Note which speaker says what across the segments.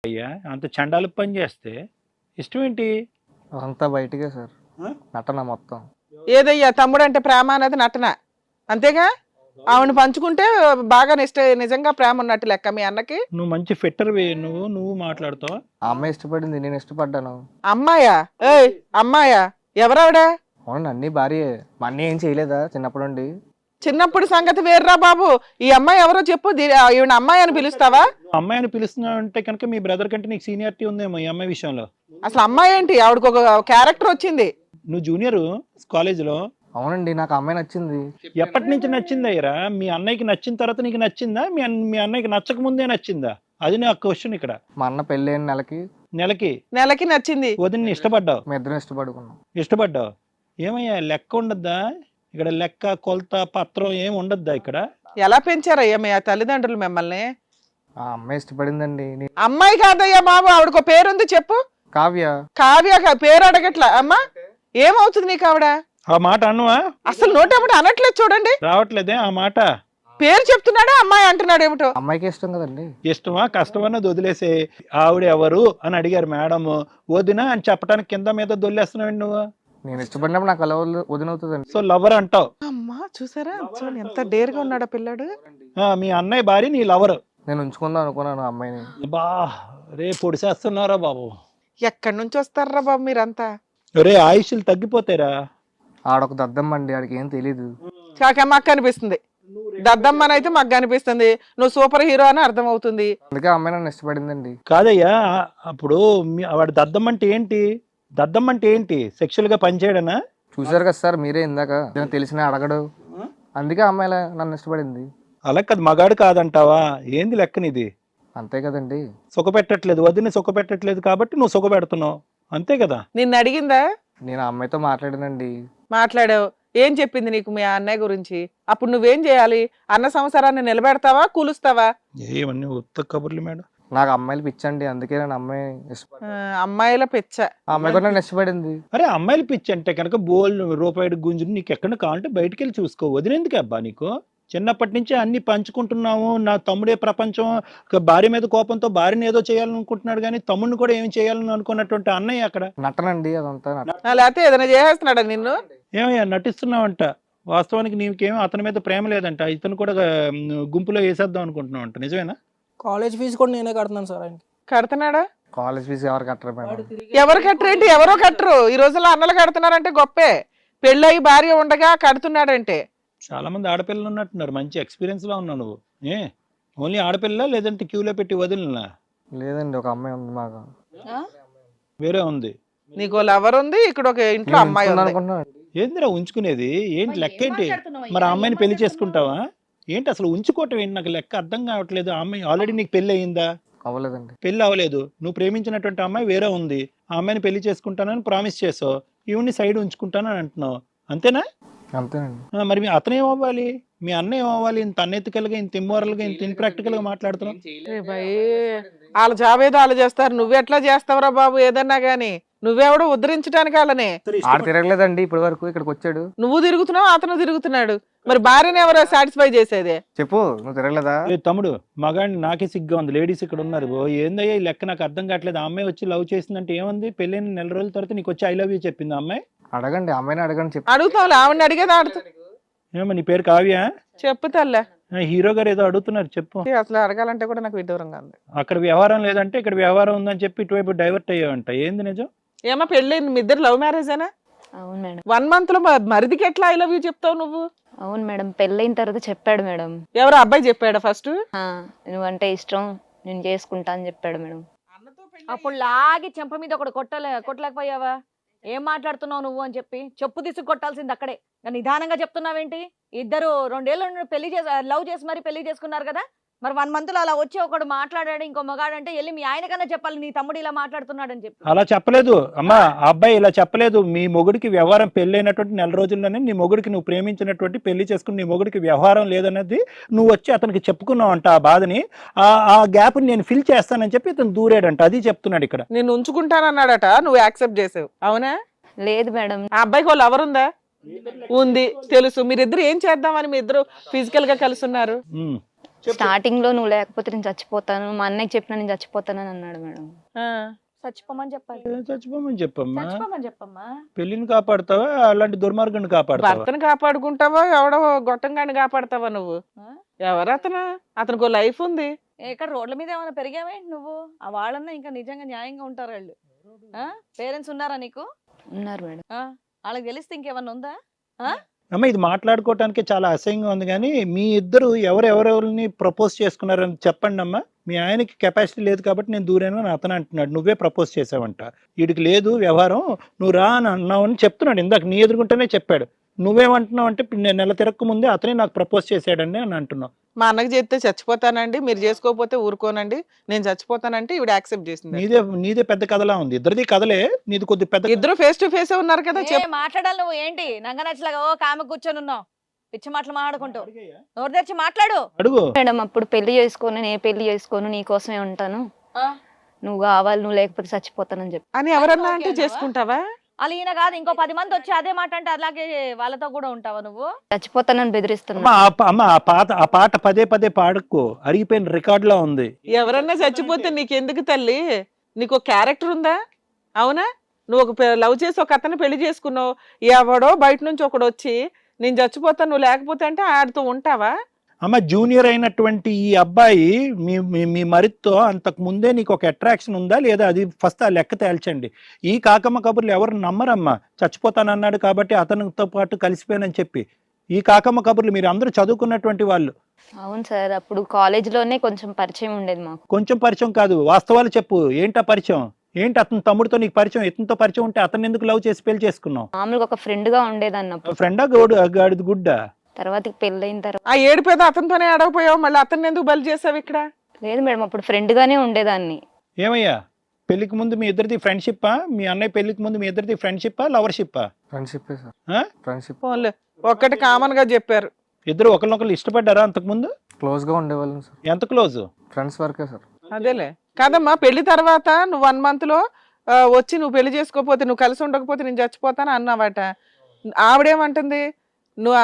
Speaker 1: అయ్యా అంత చండాలు పని చేస్తే ఇష్టం ఏంటి?
Speaker 2: అంతా బయటకే సార్, నటన మొత్తం.
Speaker 3: ఏదయ్యా తమ్ముడు అంటే ప్రేమ అనేది నటన అంతేగా. ఆవిడ పంచుకుంటే బాగా నిజంగా ప్రేమ ఉన్నట్టు లెక్క మీ అన్నకి.
Speaker 1: నువ్వు మంచి ఫిట్టర్ నువ్వు మాట్లాడుతావు.
Speaker 2: ఆ అమ్మాయి ఇష్టపడింది, నేను ఇష్టపడ్డాను.
Speaker 3: అమ్మాయా? ఏయ్ అమ్మాయా? ఎవరావిడా?
Speaker 2: అవునండి, అన్ని భార్యే. మా అన్నీ ఏం చేయలేదా చిన్నప్పటి నుండి?
Speaker 3: చిన్నప్పుడు సంగతి వేర్రా బాబు. ఈ అమ్మాయి ఎవరో చెప్పు. ఈవిడ అమ్మాయి అని పిలుస్తావా?
Speaker 1: అమ్మాయి అని పిలుస్తున్నావు అంటే కనుక మీ బ్రదర్ కంటే నీకు సీనియారిటీ ఉందేమో ఈ అమ్మాయి విషయంలో.
Speaker 3: అసలు అమ్మాయి ఏంటి? ఆవిడకి ఒక క్యారెక్టర్ వచ్చింది.
Speaker 1: నువ్వు జూనియర్ కాలేజీలో.
Speaker 2: అవునండి, నాకు అమ్మాయి నచ్చింది.
Speaker 1: ఎప్పటి నుంచి నచ్చింది అయ్యరా? మీ అన్నయ్యకి నచ్చిన తర్వాత నీకు నచ్చిందా? మీ అన్నయ్యకి నచ్చక ముందే నచ్చిందా? అది నా క్వశ్చన్ ఇక్కడ.
Speaker 2: మా అన్న పెళ్ళైన
Speaker 1: నెలకి
Speaker 3: నచ్చింది.
Speaker 1: వదిన ఇష్టపడ్డావు?
Speaker 2: మీ ఇద్దరం
Speaker 1: ఇష్టపడ్డావు. ఏమయ్యా లెక్క ఉండద్దా ఇక్కడ? లెక్క కొలత పత్రం ఏం ఉండద్దా ఇక్కడ?
Speaker 3: ఎలా పెంచారయ్యా మీ తల్లిదండ్రులు మిమ్మల్ని?
Speaker 2: ఆ అమ్మాయి ఇష్టపడిందండి.
Speaker 3: అమ్మాయి కాదయ్యా బాబు, ఆవిడకు పేరుంది చెప్పు.
Speaker 2: కావ్య.
Speaker 3: కావ్య పేరు అడగట్లా. అమ్మా ఏమవుతుంది నీకు ఆవిడ?
Speaker 1: ఆ మాట అన్నవా?
Speaker 3: అసలు నోటేమిటి అనట్లేదు చూడండి.
Speaker 1: రావట్లేదే ఆ మాట.
Speaker 3: పేరు చెప్తున్నాడా అమ్మాయి అంటున్నాడు ఏమిటో?
Speaker 2: అమ్మాయికి ఇష్టం కదండి.
Speaker 1: ఇష్టమా కష్టమన్నది వదిలేసే. ఆవిడ ఎవరు అని అడిగారు మేడం, వదిన అని చెప్పడానికి కింద మీద దొల్లేస్తున్నావు నువ్వు.
Speaker 2: నేను ఇష్టపడినప్పుడు నాకు అలా వదినవుతుందండి.
Speaker 1: సో లవర్ అంటావు.
Speaker 3: అమ్మా చూసారా చూడండి ఎంత డేర్గా ఉన్నాడు పిల్లాడు.
Speaker 1: మీ అన్నయ్య భార్య నీ లవర్.
Speaker 2: నేను ఉంచుకుందాం అనుకున్నాను అమ్మాయిని.
Speaker 1: బా రే పొడిసేస్తున్నారా బాబు?
Speaker 3: ఎక్కడి నుంచి వస్తారా బాబు మీరంతా?
Speaker 1: రే ఆయుష్లు తగ్గిపోతారా?
Speaker 2: ఆడొక దద్దమ్మండి, ఆడికి ఏం తెలీదు.
Speaker 3: మాకు కనిపిస్తుంది దద్దమ్మనైతే మాకు కనిపిస్తుంది. నువ్వు సూపర్ హీరో అని అర్థం అవుతుంది.
Speaker 2: అందుకే అమ్మాయి నన్ను ఇష్టపడిందండి.
Speaker 1: కాదయ్యా, అప్పుడు వాడు దద్దమ్మంటే ఏంటి? దద్దమ్మంటే ఏంటి? సెక్షువల్ గా పనిచేయడనా?
Speaker 2: చూసారు కదా సార్ మీరే ఇందాక, తెలిసిన అడగడు. అందుకే అమ్మాయి నన్ను ఇష్టపడింది.
Speaker 1: అలా కాదు, మగాడు కాదంటావా? ఏంది లెక్కనిది?
Speaker 2: అంతే కదండి.
Speaker 1: సుఖ పెట్టట్లేదు, వదిన సుఖ పెట్టట్లేదు కాబట్టి నువ్వు సుఖ పెడుతున్నావు, అంతే కదా?
Speaker 3: నిన్ను అడిగిందా?
Speaker 2: నేను ఆ అమ్మాయితో మాట్లాడానండి.
Speaker 3: మాట్లాడావు. ఏం చెప్పింది నీకు మీ అన్నయ్య గురించి? అప్పుడు నువ్వేం చేయాలి? అన్న సంసారాన్ని నిలబెడతావా కూలుస్తావా?
Speaker 1: ఏమన్నీ ఉత్త కబుర్లు మేడం.
Speaker 2: నాకు అమ్మాయిలు పిచ్చండి, అందుకే నేను అమ్మాయి
Speaker 3: అమ్మాయిల పిచ్చ.
Speaker 2: ఆ అమ్మాయి కూడా నన్ను ఇష్టపడింది.
Speaker 1: అరే అమ్మాయిలు పిచ్చి అంటే కనుక బోల్ రూపాయి గుంజు నీకు ఎక్కడ కావాలంటే బయటికి వెళ్ళి చూసుకో. వదిలేందుకు అబ్బా నీకు? చిన్నప్పటి నుంచి అన్ని పంచుకుంటున్నాము. నా తమ్ముడే ప్రపంచం. భార్య మీద కోపంతో భార్యని ఏదో చేయాలనుకుంటున్నాడు కానీ తమ్ముడిని కూడా ఏమి చేయాలని అనుకున్నటువంటి అన్నయ్య అక్కడ
Speaker 2: నటనండి అదంతా.
Speaker 3: లేకపోతే ఏదైనా చేసేస్తున్నాడా నిన్ను?
Speaker 1: ఏమయ్యా నటిస్తున్నావంట? వాస్తవానికి నీకేమో అతని మీద ప్రేమ లేదంట, ఇతను కూడా గుంపులో వేసేద్దాం అనుకుంటున్నావు అంట. నిజమేనా?
Speaker 4: కాలేజ్ ఫీజు కూడా నేనే కడుతున్నాను సార్. ఆయన
Speaker 3: కడుతున్నాడా?
Speaker 2: కాలేజ్ ఫీజు ఎవరు కట్టరు మేడం.
Speaker 3: ఎవరు కట్టరేంటి? ఎవరో కట్టరు. ఈ రోజుల్లో అన్నలు కడుతున్నారంటే గొప్పే. పెళ్ళయి భార్య ఉండగా కడుతున్నాడంటే.
Speaker 1: చాలా మంది ఆడపిల్లలు ఉన్నట్టున్నారు. మంచి ఎక్స్పీరియన్స్ లో ఉన్నావు నువ్వు. ఓన్లీ ఆడపిల్ల లేదంటే క్యూలో పెట్టి వదిలినా?
Speaker 2: లేదండి, ఒక అమ్మాయి ఉంది మాకు.
Speaker 1: వేరే ఉంది.
Speaker 3: నీకు లవర్ ఉంది, ఇక్కడ ఒక ఇంట్లో అమ్మాయి ఉంది.
Speaker 1: ఏందిరా ఉంచుకునేది? ఏంటి లెక్క ఏంటి? మరి ఆ అమ్మాయిని పెళ్లి చేసుకుంటావా ఏంటి? అసలు ఉంచుకోవటం ఏంటి? నాకు లెక్క అర్థం కావట్లేదు. ఆ అమ్మాయి ఆల్రెడీ నీకు పెళ్లి అయిందా?
Speaker 2: అవ్వలేదండి.
Speaker 1: పెళ్లి అవ్వలేదు. నువ్వు ప్రేమించినటువంటి అమ్మాయి వేరే ఉంది. ఆ అమ్మాయిని పెళ్లి చేసుకుంటానని ప్రామిస్ చేసావు. ఈవిని సైడ్ ఉంచుకుంటానని అంటున్నావు, అంతేనా?
Speaker 2: అంతేనండి.
Speaker 1: మరి అతను ఏమవ్వాలి? మీ అన్న ఏమవ్వాలి? ఇంత అన్ఎథికల్ గా, ఇంత ఇమ్మోరల్ గా, ఇంత ఇన్ప్రాక్టికల్ గా మాట్లాడుతున్నావు.
Speaker 3: వాళ్ళ జాబ్ ఏదో వాళ్ళు చేస్తారు, నువ్వెట్లా చేస్తావురా బాబు? ఏదన్నా గానీ నువ్వెవడో ఉద్ధరించడానికి వాళ్ళని.
Speaker 2: ఆడ తిరగలేదండి ఇప్పటి వరకు, ఇక్కడికి వచ్చాడు.
Speaker 3: నువ్వు తిరుగుతున్నావు, అతను తిరుగుతున్నాడు. మరి భార్యని ఎవరో సాటిస్ఫై చేసేదే?
Speaker 2: చెప్పు, నువ్వు తిరగలేదా?
Speaker 1: తమ్ముడు మగాడిని నాకే సిగ్గా ఉంది. లేడీస్ ఇక్కడ ఉన్నారు. ఏందయ్యా ఈ లెక్క? నాకు అర్థం కావట్లేదు. ఆ అమ్మాయి వచ్చి లవ్ చేసిందంటే ఏముంది? పెళ్ళైన నెల రోజుల తర్వాత నీకు వచ్చి ఐ లవ్ యూ చెప్పింది ఆ అమ్మాయి.
Speaker 2: అడగండి, అమ్మాయిని అడగండి. చెప్పు.
Speaker 3: అడుగుతావు, ఆవిడని అడిగేది ఆడుతూ.
Speaker 1: ఏమో నీ పేరు కావ్య?
Speaker 3: చెప్పు తల్లే.
Speaker 1: హీరో గారు ఏదో అడుగుతున్నారు, చెప్పు.
Speaker 3: అసలు అడగాలంటే కూడా నాకు విడ్డూరంగా ఉంది.
Speaker 1: అక్కడ వ్యవహారం లేదంటే ఇక్కడ వ్యవహారం ఉందని చెప్పి ఇటువైపు డైవర్ట్ అయ్యావంట. ఏంది నిజం?
Speaker 3: ఏమో పెళ్ళి మీ ఇద్దరు లవ్ మ్యారేజేనా?
Speaker 5: అవును మేడం.
Speaker 3: 1 month లో మరిదికి ఎట్లా ఐ లవ్ యూ చెప్తావు నువ్వు?
Speaker 5: అవును మేడం, పెళ్ళైన తర్వాత చెప్పాడు మేడం.
Speaker 3: ఎవరు అబ్బాయి చెప్పాడా ఫస్ట్?
Speaker 5: నువ్వంటే ఇష్టం, నేను చేసుకుంటా అని చెప్పాడు మేడం.
Speaker 6: అప్పుడు లాగి చెంప మీద ఒకటి కొట్టలేకపోయావా? ఏం మాట్లాడుతున్నావు నువ్వు అని చెప్పి చెప్పు తీసుకు కొట్టాల్సింది అక్కడే. నిదానంగా చెప్తున్నావేంటి? ఇద్దరు 2 ఏళ్ళు పెళ్లి లవ్ చేసి మరి పెళ్లి చేసుకున్నారు కదా. మరి 1 month లో అలా వచ్చి ఒకడు మాట్లాడాడు, ఇంకో మగాడంటే వెళ్ళి మీ ఆయనకన్నా చెప్పాలి నీ తమ్ముడు ఇలా మాట్లాడుతున్నాడు అని చెప్పి.
Speaker 1: అలా చెప్పలేదు అమ్మా, ఆ అబ్బాయి ఇలా చెప్పలేదు. మీ మొగుడికి వ్యవహారం పెళ్ళైనటువంటి నెల రోజుల్లోనే నీ మొగుడికి, నువ్వు ప్రేమించినటువంటి పెళ్లి చేసుకుని నీ మొగుడికి వ్యవహారం లేదన్నది నువ్వు వచ్చి అతనికి చెప్పుకున్నావు అంట. ఆ బాధని, ఆ గ్యాప్ నేను ఫిల్ చేస్తానని చెప్పి ఇతను దూరాడంట. అది చెప్తున్నాడు ఇక్కడ.
Speaker 3: నేను ఉంచుకుంటానన్నాడట, నువ్వు యాక్సెప్ట్ చేసావు, అవునా?
Speaker 5: లేదు మేడం.
Speaker 3: ఆ అబ్బాయికి వాళ్ళు ఎవరుందా? ఉంది, తెలుసు. మీరిద్దరు ఏం చేద్దామని మీ ఇద్దరు ఫిజికల్ గా కలిసి ఉన్నారు?
Speaker 5: స్టార్టింగ్ లో నువ్వు లేకపోతే నేను చచ్చిపోతాను, మా అన్నయ్యకి చెప్పినా నేను చచ్చిపోతానని అన్నాడు మేడం.
Speaker 3: ఆ,
Speaker 6: చచ్చిపోమని చెప్పాలి.
Speaker 1: చచ్చిపోమని చెప్పమ్మా.
Speaker 6: చచ్చిపోమని చెప్పమ్మా.
Speaker 1: పెళ్లిని కాపాడుతావా అలాంటి దుర్మార్గాన్ని కాపాడుతావా?
Speaker 3: భర్తను కాపాడుకుంటావా ఎవడో గొట్టంగాని కాపాడతావా నువ్వు?
Speaker 6: ఆ?
Speaker 3: ఎవరు అతనికి లైఫ్ ఉంది.
Speaker 6: ఇక్కడ రోడ్ల మీద ఏమైనా పెరిగావేంటి నువ్వు? ఆ వాళ్ళన్నా ఇంకా నిజంగా న్యాయంగా ఉంటారు వాళ్ళు. పేరెంట్స్ ఉన్నారా నీకు?
Speaker 5: ఉన్నారు మేడం.
Speaker 6: వాళ్ళకి తెలిస్తే ఇంకేమన్నా ఉందా?
Speaker 1: అమ్మ ఇది మాట్లాడుకోవటానికి చాలా అసహ్యంగా ఉంది, కానీ మీ ఇద్దరు ఎవరెవరిని ప్రపోజ్ చేసుకున్నారని చెప్పండి అమ్మా. మీ ఆయనకి కెపాసిటీ లేదు కాబట్టి నేను దూరాను అని అతను అంటున్నాడు, నువ్వే ప్రపోజ్ చేసావంట. వీడికి లేదు వ్యవహారం, నువ్వు రా అని అన్నావు అని చెప్తున్నాడు. ఇందాక నీ ఎదుర్కొంటేనే చెప్పాడు. నువ్వేమంటున్నావు అంటే నేను నెల తిరక్క ముందే అతనే నాకు ప్రపోజ్ చేశాడండి అని అంటున్నావు.
Speaker 3: మా అన్నకి చేస్తే చచ్చిపోతానండి, మీరు చేసుకోకపోతే ఊరుకోనండి, నేను చచ్చిపోతానంటే ఈవిడ యాక్సెప్ట్ చేసింది.
Speaker 1: నీదే పెద్ద కథలా ఉంది. ఇద్దరిది కథలే, నీది కొద్ది పెద్ద.
Speaker 3: ఇద్దరు ఫేస్ టు ఫేస్ ఉన్నారు కదా.
Speaker 6: మాట్లాడాలి నువ్వు ఏంటి నంగ నచ్చలాగా ఓ కామ కూర్చొని ఉన్నావు పిచ్చి మాటలు మాట్లాడుకుంటూ? నోరు తెరిచి మాట్లాడు.
Speaker 1: అడుగు
Speaker 5: మేడం అప్పుడు పెళ్లి చేసుకోను, నేను పెళ్లి చేసుకోను, నీ కోసమే ఉంటాను, నువ్వు కావాలి, నువ్వు లేకపోతే చచ్చిపోతానని చెప్పి
Speaker 3: అని ఎవరన్నా అంటే చేసుకుంటావా?
Speaker 6: అలా ఈయన కాదు ఇంకో 10 మంది వచ్చి అదే మాట అంటే అలాగే వాళ్ళతో కూడా ఉంటావా నువ్వు?
Speaker 5: చచ్చిపోతానని బెదిరిస్తున్నా.
Speaker 1: అమ్మ ఆ పాట పదే పదే పాడుకో, అరిగిపోయిన రికార్డ్ లా ఉంది.
Speaker 3: ఎవరన్నా చచ్చిపోతే నీకెందుకు తల్లి? నీకు ఒక క్యారెక్టర్ ఉందా? అవునా? నువ్వు ఒక లవ్ చేసి ఒక అతను పెళ్లి చేసుకున్నావు, ఎవడో బయట నుంచి ఒకడు వచ్చి నేను చచ్చిపోతాను నువ్వు లేకపోతే అంటే ఆడుతూ ఉంటావా?
Speaker 1: అమ్మ జూనియర్ అయినటువంటి ఈ అబ్బాయి మీ మరితో అంతకు ముందే నీకు ఒక అట్రాక్షన్ ఉందా లేదా? అది ఫస్ట్ ఆ లెక్క తేల్చండి. ఈ కాకమ్మ కబుర్లు ఎవరు నమ్మరమ్మా. చచ్చిపోతానన్నాడు కాబట్టి అతనితో పాటు కలిసిపోయానని చెప్పి. ఈ కాకమ్మ కబుర్లు మీరు అందరూ చదువుకున్నటువంటి వాళ్ళు.
Speaker 5: అవును సార్, అప్పుడు కాలేజ్ లోనే కొంచెం పరిచయం ఉండేది మాకు.
Speaker 1: కొంచెం పరిచయం కాదు, వాస్తవాలు చెప్పు. ఏంటా పరిచయం? ఏంటి అతని తమ్ముడితో నీకు పరిచయం? ఇతనితో పరిచయం ఉంటే అతను ఎందుకు లవ్ చేసి పెళ్లి చేసుకున్నావు?
Speaker 5: మామూలుగా ఒక ఫ్రెండ్ గా ఉండేదన్నప్పుడు.
Speaker 1: ఫ్రెండా గాడిది గుడ్డా?
Speaker 5: తర్వాత పెళ్ళైన తర్వాత
Speaker 3: ఆ ఏడిపోయేది అతనితోనే అడగపోయావు, మళ్ళీ అతన్ని ఎందుకు బలి చేసావు ఇక్కడ?
Speaker 5: లేదు మేడం, అప్పుడు ఫ్రెండ్ గానే ఉండేదాన్ని.
Speaker 1: ఏమయ్యా పెళ్లికి ముందు మీ ఇద్దరిది ఫ్రెండ్షిప్పా? మీ అన్నయ్య పెళ్లికి ముందు మీ ఇద్దరిది ఫ్రెండ్షిప్పా లవర్షిప్పా?
Speaker 2: ఫ్రెండ్షిప్ సార్,
Speaker 1: ఆ?
Speaker 2: ఫ్రెండ్షిప్.
Speaker 3: ఫోన్లే ఒక్కటి కామన్ గా చెప్పారు.
Speaker 1: ఇద్దరు ఒకరినొకరు ఇష్టపడ్డారా అంతకు ముందు?
Speaker 2: క్లోజ్ గా ఉండేవాళ్ళం సార్.
Speaker 1: ఎంత క్లోజ్?
Speaker 2: ఫ్రెండ్స్ వరకే సార్.
Speaker 3: అదేలే కాదమ్మా, పెళ్లి తర్వాత నువ్వు 1 month లో వచ్చి నువ్వు పెళ్లి చేసుకోకపోతే, నువ్వు కలిసి ఉండకపోతే నేను చచ్చిపోతాను అన్నావట. ఆవిడేమంటుంది? నువ్వు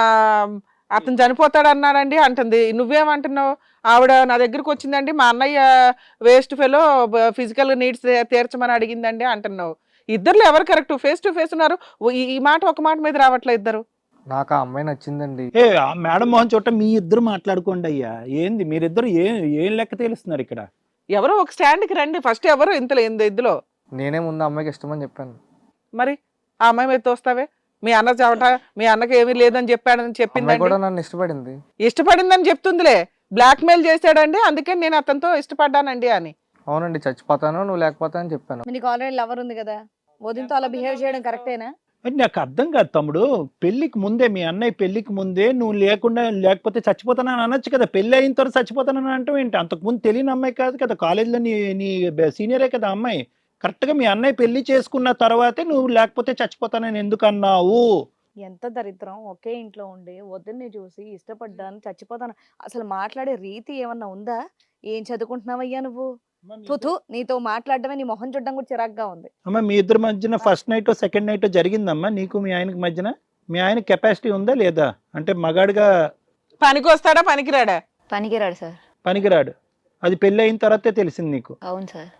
Speaker 3: అతను చనిపోతాడు అన్నాడండి అంటుంది. నువ్వేమంటున్నావు? ఆవిడ నా దగ్గరకు వచ్చిందండి, మా అన్నయ్య వేస్ట్ ఫెలో ఫిజికల్ నీడ్స్ తీర్చమని అడిగిందండి అంటున్నావు. ఇద్దరులో ఎవరు కరెక్ట్? ఫేస్ టు ఫేస్ ఉన్నారు. ఈ మాట ఒక మాట మీద రావట్లే ఇద్దరు.
Speaker 2: నాకు ఆ అమ్మాయి నచ్చిందండి.
Speaker 1: మేడం మోహన్ చోట మీ ఇద్దరు మాట్లాడుకోండి అయ్యా. ఏంది మీరిద్దరు ఏం లెక్క తెలుస్తున్నారు ఇక్కడ?
Speaker 3: ఎవరో ఒక స్టాండ్కి రండి ఫస్ట్. ఎవరు ఇందులో?
Speaker 2: నేనే ముందు అమ్మాయికి ఇష్టమని చెప్పాను.
Speaker 3: మరి ఆ అమ్మాయి మీద తోస్తావే? మీ అన్న చవట మీ అన్నకి ఏమీ లేదని చెప్పాడని చెప్పిందండి.
Speaker 2: కూడా నన్ను ఇష్టపడింది.
Speaker 3: ఇష్టపడిందని చెప్తుందిలే. బ్లాక్ మెయిల్ చేశాడండి, అందుకే నేను అతనితో ఇష్టపడ్డానండి అని.
Speaker 2: అవునండి, చచ్చిపోతాను నువ్వు లేకపోతా అని చెప్పాను.
Speaker 6: నీకు ఆల్రెడీ లవర్ ఉంది కదా, వదినతో అలా బిహేవ్ చేయడం కరెక్టేనా?
Speaker 1: నాకు అర్థం కాదు తమ్ముడు. పెళ్లికి ముందే మీ అన్నయ్య పెళ్లికి ముందే నువ్వు లేకపోతే చచ్చిపోతానని అనొచ్చు కదా. పెళ్లి అయిన తర్వాత చచ్చిపోతానని అంటావు ఏంటి? అంతకుముందు తెలియని అమ్మాయి కాదు కదా, కాలేజీలో నీ సీనియరే కదా అమ్మాయి. కరెక్ట్గా మీ అన్నయ్య పెళ్లి చేసుకున్న తర్వాతే నువ్వు లేకపోతే చచ్చిపోతానని ఎందుకు అన్నావు?
Speaker 6: ఎంత దరిద్రం! ఒకే ఇంట్లో ఉండి వదిన్ని చూసి ఇష్టపడ్డాను చచ్చిపోతాను. అసలు మాట్లాడే రీతి ఏమన్నా ఉందా? ఏం చదువుకుంటున్నావయ్యా నువ్వు? తుతు, నీతో మాట్లాడడమే నీ మొహం చూడడం కూడా చిరాగ్గా ఉంది.
Speaker 1: అమ్మ మీ ఇద్దరి మధ్యన ఫస్ట్ నైట్ సెకండ్ నైట్ జరిగిందమ్మా నీకు మీ ఆయనకి మధ్యన? మీ ఆయన కెపాసిటీ ఉందా లేదా? అంటే మగాడిగా
Speaker 3: పనికి వస్తాడా పనికిరాడా?
Speaker 5: పనికిరాడు సార్.
Speaker 1: పనికిరాడు. అది పెళ్లి అయిన తర్వాతే తెలిసింది నీకు?
Speaker 5: అవును సార్.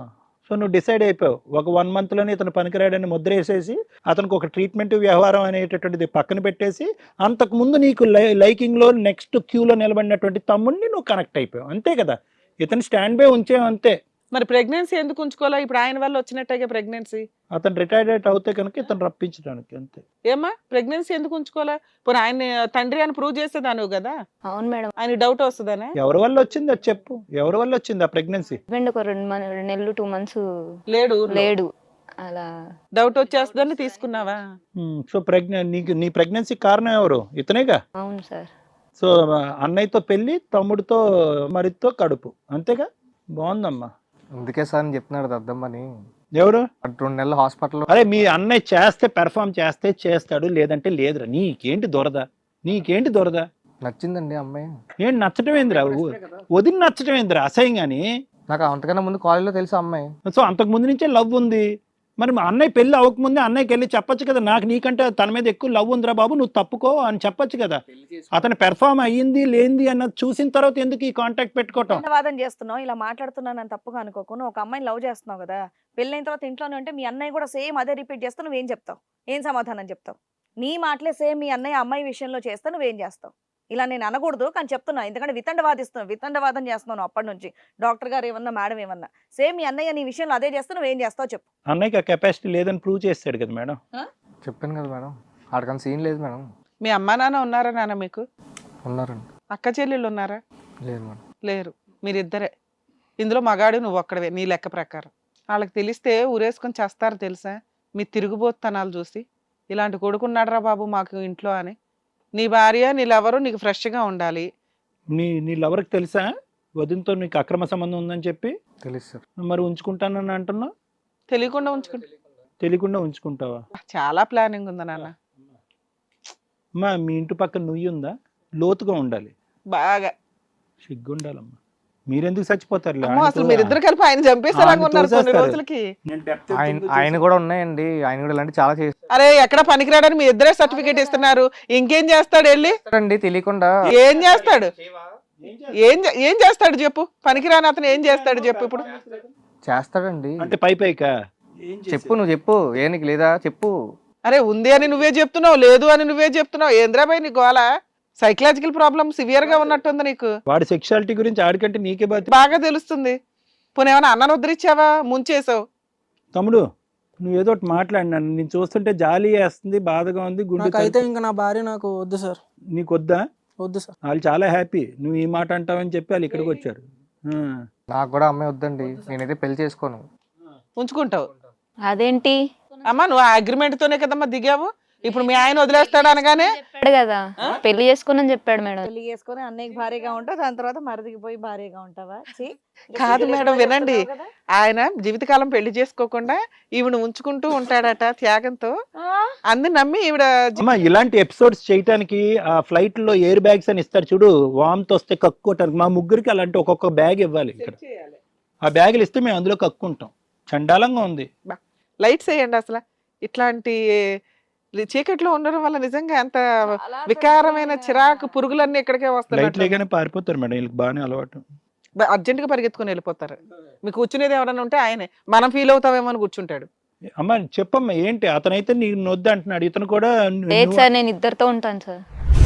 Speaker 1: సో నువ్వు డిసైడ్ అయిపోయావు ఒక 1 monthలోనే ఇతను పనికిరాడని ముద్ర వేసేసి అతనికి ఒక ట్రీట్మెంట్ వ్యవహారం అనేటటువంటిది పక్కన పెట్టేసి అంతకుముందు నీకు లైకింగ్లో నెక్స్ట్ క్యూలో నిలబడినటువంటి తమ్ముడిని నువ్వు కనెక్ట్ అయిపోయావు అంతే కదా. ఇతను స్టాండ్ బై ఉంచేవు అంతే.
Speaker 3: మరి ప్రెగ్నెన్సీ ఎందుకు ఉంచుకోవాలా? ఇప్పుడు ఆయన వల్ల వచ్చినట్టుగా ప్రెగ్నెన్సీ.
Speaker 1: అతను రిటైర్డ్ అవుతే కనుక ఇతను రప్పించడానికి అంతే.
Speaker 3: ఏమ్మా ప్రెగ్నెన్సీ ఎందుకు ఉంచుకోవాలా? ఇప్పుడు ఆయన తండ్రి అని ప్రూవ్ చేసేదాను కదా.
Speaker 5: అవును మేడం.
Speaker 3: ఆయన డౌట్ వస్తుందనే.
Speaker 1: ఎవరి వల్ల వచ్చింది అది చెప్పు. ఎవరి వల్ల వచ్చింది ఆ ప్రెగ్నెన్సీ?
Speaker 5: హస్బెండ్ ఒక 2 నెలలు 2 months
Speaker 3: లేడు
Speaker 5: అలా
Speaker 3: డౌట్ వచ్చేస్తుందని తీసుకున్నావా?
Speaker 1: సో నీ ప్రెగ్నెన్సీ కారణం ఎవరు? ఇతనేగా.
Speaker 5: అవును సార్.
Speaker 1: సో అన్నయ్యతో పెళ్లి, తమ్ముడితో మరితో కడుపు, అంతేగా. బాగుందమ్మా.
Speaker 2: అందుకే సార్ అని చెప్తున్నాడు దద్దమ్మని.
Speaker 1: ఎవరు?
Speaker 2: 2 నెలలు హాస్పిటల్లో.
Speaker 1: అరే మీ అన్నయ్య చేస్తే పెర్ఫామ్ చేస్తే చేస్తాడు, లేదంటే లేదురా. నీకేంటి దొరద?
Speaker 2: నచ్చిందండి అమ్మాయి.
Speaker 1: ఏంటి నచ్చటం ఏందిరా? వదిలి నచ్చటం ఏందిరా అసహ్యం గాని?
Speaker 2: నాకు అంతకన్నా ముందు కాలేజీలో తెలుసు అమ్మాయి.
Speaker 1: సో అంతకు ముందు నుంచే లవ్ ఉంది. మరి మా అన్నయ్య పెళ్లి అవ్వకముందే అన్నయ్యకి వెళ్ళి చెప్పొచ్చు కదా, నాకు నీకంటే తన మీద ఎక్కువ లవ్ ఉందిరా బాబు, నువ్వు తప్పుకో అని చెప్పొచ్చు కదా. అతను పెర్ఫామ్ అయ్యింది లేనిది అన్నది చూసిన తర్వాత ఎందుకు ఈ కాంటాక్ట్ పెట్టుకోవటం?
Speaker 6: వాదన చేస్తున్నావు, ఇలా మాట్లాడుతున్నాను అని తప్పుగా అనుకోకు. నువ్వు ఒక అమ్మాయిని లవ్ చేస్తున్నావు కదా, పెళ్ళైన తర్వాత ఇంట్లోనే ఉంటే మీ అన్నయ్య కూడా సేమ్ అదే రిపీట్ చేస్తా, నువ్వేం చెప్తావు? ఏం సమాధానం చెప్తావు? నీ మాటలే సేమ్ మీ అన్నయ్య అమ్మాయి విషయంలో చేస్తా, నువ్వేం చేస్తావు? ఇలా నేను అనకూడదు కానీ చెప్తున్నా, ఎందుకంటే వితండవాదం చేస్తున్నాను అప్పటి నుంచి. డాక్టర్ గారు ఏమన్నా, మేడం ఏమన్నా, సేమ్ మీ అన్నయ్య నీ విషయంలో అదే చేస్తా, నువ్వేం చేస్తావు చెప్పు.
Speaker 1: అన్నయ్యకి ఆ కెపాసిటీ లేదని ప్రూవ్ చేస్తాడు కదా మేడం.
Speaker 2: చెప్పాను కదా మేడం, ఆడకని సీన్ లేదు మేడం.
Speaker 3: మీ అమ్మా నాన్న ఉన్నారా నాన్న మీకు?
Speaker 2: ఉన్నారండి.
Speaker 3: అక్క చెల్లెళ్ళు ఉన్నారా?
Speaker 2: లేదు మేడం.
Speaker 3: లేరు, మీరిద్దరే. ఇందులో మగాడు నువ్వు ఒక్కడవే నీ లెక్క ప్రకారం. వాళ్ళకి తెలిస్తే ఊరేసుకొని చేస్తారు తెలుసా, మీ తిరుగుబోతనాలు చూసి. ఇలాంటి కొడుకున్నాడరా బాబు మాకు ఇంట్లో అని. నీ భార్య నీ లవరు నీకు ఫ్రెష్గా ఉండాలి.
Speaker 1: నీ లవర్కి తెలుసా వదినతో నీకు అక్రమ సంబంధం ఉందని చెప్పి?
Speaker 2: తెలుసు సార్.
Speaker 1: మరి ఉంచుకుంటానని అంటున్నావు? తెలియకుండా ఉంచుకుంటావా?
Speaker 3: చాలా ప్లానింగ్ ఉంది నాన్న.
Speaker 1: అమ్మా మీ ఇంటి పక్కన నుయ్యి ఉందా? లోతుగా ఉండాలి,
Speaker 3: బాగా
Speaker 1: సిగ్గుండాలమ్మా. మీరెందుకు చచ్చిపోతారు?
Speaker 3: అమ్మో, అసలు మీరిద్దరు కలిపి ఆయన చంపేసేలాగా ఉన్నారు కొన్ని రోజులకి.
Speaker 2: ఆయన కూడా ఉన్నాయండి, ఆయన కూడా ఇలాంటి చాలా
Speaker 3: అరే ఎక్కడ పనికిరాడని మీ ఇద్దరే సర్టిఫికేట్ ఇస్తున్నారు, ఇంకేం చేస్తాడు వెళ్ళి?
Speaker 2: చేస్తారండి తెలియకుండా.
Speaker 3: ఏం చేస్తాడు? ఏం చేస్తాడు చెప్పు? పనికిరాని అతను ఏం చేస్తాడు చెప్పు ఇప్పుడు?
Speaker 2: చేస్తాడండి.
Speaker 1: అంటే పైకా
Speaker 2: చెప్పు, నువ్వు చెప్పు. ఏ నీకు లేదా చెప్పు.
Speaker 3: అరే ఉంది అని నువ్వే చెప్తున్నావు, లేదు అని నువ్వే చెప్తున్నావు. ఏంద్రాబాయ్ నీ గోల? సైకలాజికల్ ప్రాబ్లం సివియర్ గా ఉన్నట్టుంది నీకు.
Speaker 1: వాడి సెక్షువాలిటీ గురించి ఆడికంటే నీకే
Speaker 3: బాగా తెలుస్తుంది. పోనీ ఏమైనా అన్నను ఉద్ధరించావా? ముంచేసావు.
Speaker 1: తమ్ముడు నువ్వు ఏదో ఒకటి మాట్లాడినాను, నేను చూస్తుంటే జాలి వేస్తుంది, బాధగా ఉంది, గుండె.
Speaker 4: అయితే ఇంకా నా భార్య నాకు వద్దు సార్.
Speaker 1: నీకు వద్దా?
Speaker 4: వద్దు సార్.
Speaker 1: వాళ్ళు చాలా హ్యాపీ నువ్వు ఈ మాట అంటావని చెప్పి వాళ్ళు ఇక్కడికి వచ్చారు.
Speaker 2: నాకు కూడా అమ్మాయి వద్దండి, నేనైతే పెళ్లి చేసుకోను.
Speaker 3: ఉంచుకుంటావు?
Speaker 5: అదేంటి
Speaker 3: అమ్మా నువ్వు ఆ అగ్రిమెంట్ తోనే కదమ్మా దిగావు. ఇప్పుడు మీ ఆయన వదిలేస్తాడు అనగానే
Speaker 5: చెప్పాడు కదా పెళ్లి చేసుకోనని చెప్పాడు మేడం.
Speaker 6: పెళ్లి చేసుకుని అన్నయ్యకి భార్యగా ఉంటావు, దాని తర్వాత మరిదికి పోయి భార్యగా ఉంటావా?
Speaker 3: కాదు మేడం వినండి, ఆయన జీవితకాలం పెళ్లి చేసుకోకుండా ఈవిడ ఉంచుకుంటూ ఉంటాడట త్యాగంతో. అందు నమ్మి ఈవిడ.
Speaker 1: అమ్మా ఇలాంటి ఎపిసోడ్స్ చేయడానికి ఆ ఫ్లైట్ లో ఎయిర్ బ్యాగ్స్ అని ఇస్తారు చూడు, వామ్తో వస్తే కక్కుకోవటానికి. మా ముగ్గురికి అలాంటి ఒక్కొక్క బ్యాగ్ ఇవ్వాలి ఇక్కడ. ఆ బ్యాగులు ఇస్తే మేము అందులో కక్కుంటాం. చండాలంగా ఉంది.
Speaker 3: లైట్స్ వేయండి. అసలు ఇట్లాంటి చీకట్లో ఉండడం వల్ల నిజంగా ఎంత వికారమైన చిరాకు పురుగులన్నీ ఇక్కడికే వస్తాయి.
Speaker 1: పారిపోతారు మేడం, వీళ్ళకి బాగానే అలవాటు.
Speaker 3: అర్జెంట్ గా పరిగెత్తుకుని వెళ్ళిపోతారు. మీకు కూర్చునేది ఎవరైనా ఉంటే ఆయనే, మనం ఫీల్ అవుతామేమో అని కూర్చుంటాడు.
Speaker 1: అమ్మా చెప్పమ్మా ఏంటి? అతనైతే నీకు నొద్దు అంటున్నాడు, ఇతను కూడా.
Speaker 5: లేదు సార్ నేను ఇద్దరితో ఉంటాను సార్.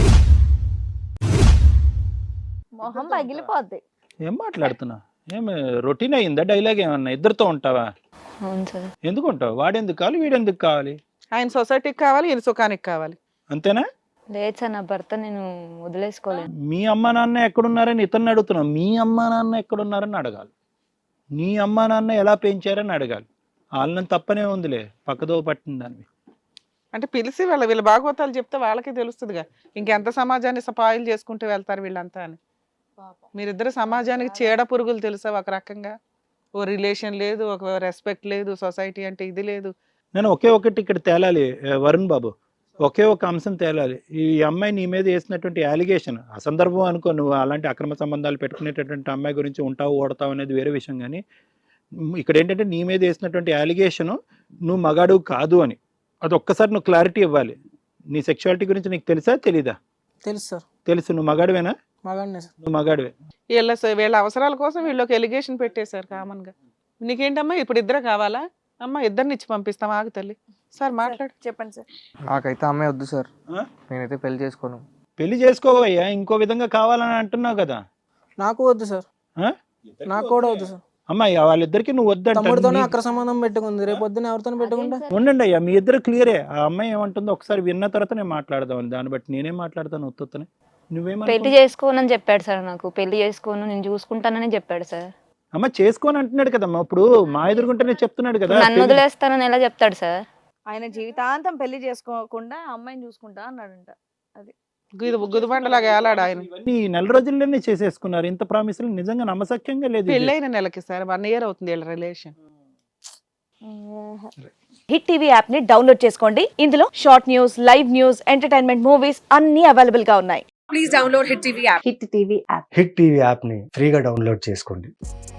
Speaker 6: మొహం పగిలిపోద్ది.
Speaker 1: ఏం మాట్లాడుతున్నా? ఏమి రొటీన్ అయ్యిందా డైలాగ్ ఏమన్నా? ఇద్దరితో ఉంటావా?
Speaker 5: అవును సార్.
Speaker 1: ఎందుకు ఉంటావు? వాడెందుకు కావాలి, వీడెందుకు కావాలి?
Speaker 3: ఆయన సొసైటీకి కావాలి, ఈయన సుఖానికి కావాలి.
Speaker 1: అంతేనా?
Speaker 5: లేదు సార్ నా భర్త నేను వదిలేసుకోలేను.
Speaker 1: మీ అమ్మ నాన్న ఎక్కడున్నారని ఇతన్ని అడుగుతున్నావు. మీ అమ్మ నాన్న ఎక్కడున్నారని అడగాలి. నీ అమ్మ నాన్న ఎలా పెంచారని అడగాలి. వాళ్ళని తప్పనే ఉందిలే, పక్కదో పట్టిన దాన్ని.
Speaker 3: అంటే పిలిచి వీళ్ళ భాగవతాలు చెప్తే వాళ్ళకి తెలుస్తుందిగా, ఇంకెంత సమాజాన్ని సపాయిలు చేసుకుంటూ వెళ్తారు వీళ్ళంతా అని. మీరిద్దరు సమాజానికి చీడ పురుగులు తెలుసా ఒక రకంగా. ఓ రిలేషన్ లేదు, ఒక రెస్పెక్ట్ లేదు, సొసైటీ అంటే ఇది లేదు.
Speaker 1: నేను ఒకే ఒకటి ఇక్కడ తేలాలి వరుణ్ బాబు, ఒకే ఒక అంశం తేలాలి. ఈ అమ్మాయి నీ మీద వేసినటువంటి అలిగేషన్ అసందర్భం అనుకో, నువ్వు అలాంటి అక్రమ సంబంధాలు పెట్టుకునేటటువంటి అమ్మాయి గురించి ఉంటావు ఓడతావు అనేది వేరే విషయం. కానీ ఇక్కడ ఏంటంటే నీ మీద వేసినటువంటి అలిగేషను నువ్వు మగాడు కాదు అని, అది ఒక్కసారి నువ్వు క్లారిటీ ఇవ్వాలి. నీ సెక్షువాలిటీ గురించి నీకు తెలుసా తెలీదా?
Speaker 4: తెలుసు సార్.
Speaker 1: తెలుసు. నువ్వు మగాడివేనా?
Speaker 4: మగాడినే సార్.
Speaker 1: నువ్వు మగాడివే.
Speaker 3: వీళ్ళ అవసరాల కోసం వీళ్ళకి ఎలిగేషన్ పెట్టేశారు కామన్ గా. నీకేంటమ్మా ఇప్పుడు ఇద్దరు కావాలా? అమ్మ ఇద్దరిని ఇచ్చి పంపిస్తాం, ఆగు తల్లి. సార్ మాట్లాడు.
Speaker 6: చెప్పండి సార్.
Speaker 2: నాకైతే అమ్మాయి వద్దు సార్, నేనైతే పెళ్లి చేసుకోను.
Speaker 1: పెళ్లి చేసుకోవయ్యా, ఇంకో విధంగా కావాలని అంటున్నావు కదా.
Speaker 4: నాకు వద్దు సార్. నాకు కూడా వద్దు సార్.
Speaker 1: అమ్మాయి వాళ్ళిద్దరికి నువ్వు వద్దంటే
Speaker 4: తమ్ముడితోనే అక్ర సంబంధం పెట్టుకుంది, రేపు పొద్దున ఎవరితో పెట్టుకుంటా?
Speaker 1: ఉండండి అయ్యా, మీ ఇద్దరు క్లియరే. ఆ అమ్మాయి ఏమంటుందో ఒకసారి విన్న తర్వాత నేను మాట్లాడదాం, దాన్ని బట్టి నేనేం మాట్లాడతాను. ఒత్తునే నువ్వేమో
Speaker 5: పెళ్లి చేసుకోనని చెప్పాడు సార్. నాకు పెళ్లి చేసుకోను నేను చూసుకుంటానని చెప్పాడు సార్.
Speaker 1: అమ్మ చేసుకోని అంటున్నాడు కదమ్మా, ఇప్పుడు మా ఎదురుకుంటేనే చెప్తున్నాడు కదా.
Speaker 5: నన్ను వదిలేస్తానని ఎలా చెప్తాడు సార్?
Speaker 6: ఆయన జీవితాంతం పెళ్లి చేసుకోకుండా అమ్మాయిని చూసుకుంటా అన్నాడంట. అది
Speaker 3: గుదిబండలాగా ఏలాడు ఆయన.
Speaker 1: ఇవన్నీ నెల రోజుల్లోనే చేసేసుకున్నారు. ఇంత ప్రామిసులు నిజంగా నమ్మసక్యంగా లేదు.
Speaker 3: పెళ్ళైన నెలకి సార్ 1 year అవుతుంది వీళ్ళ రిలేషన్.
Speaker 6: హిట్ టీవీ యాప్ ని డౌన్లోడ్ చేసుకోండి. ఇందులో short news, live news, entertainment movies అన్ని అవైలబుల్ గా ఉన్నాయి. Please download hit TV app.
Speaker 7: Hit TV యాప్ని ఫ్రీగా డౌన్లోడ్ చేసుకోండి.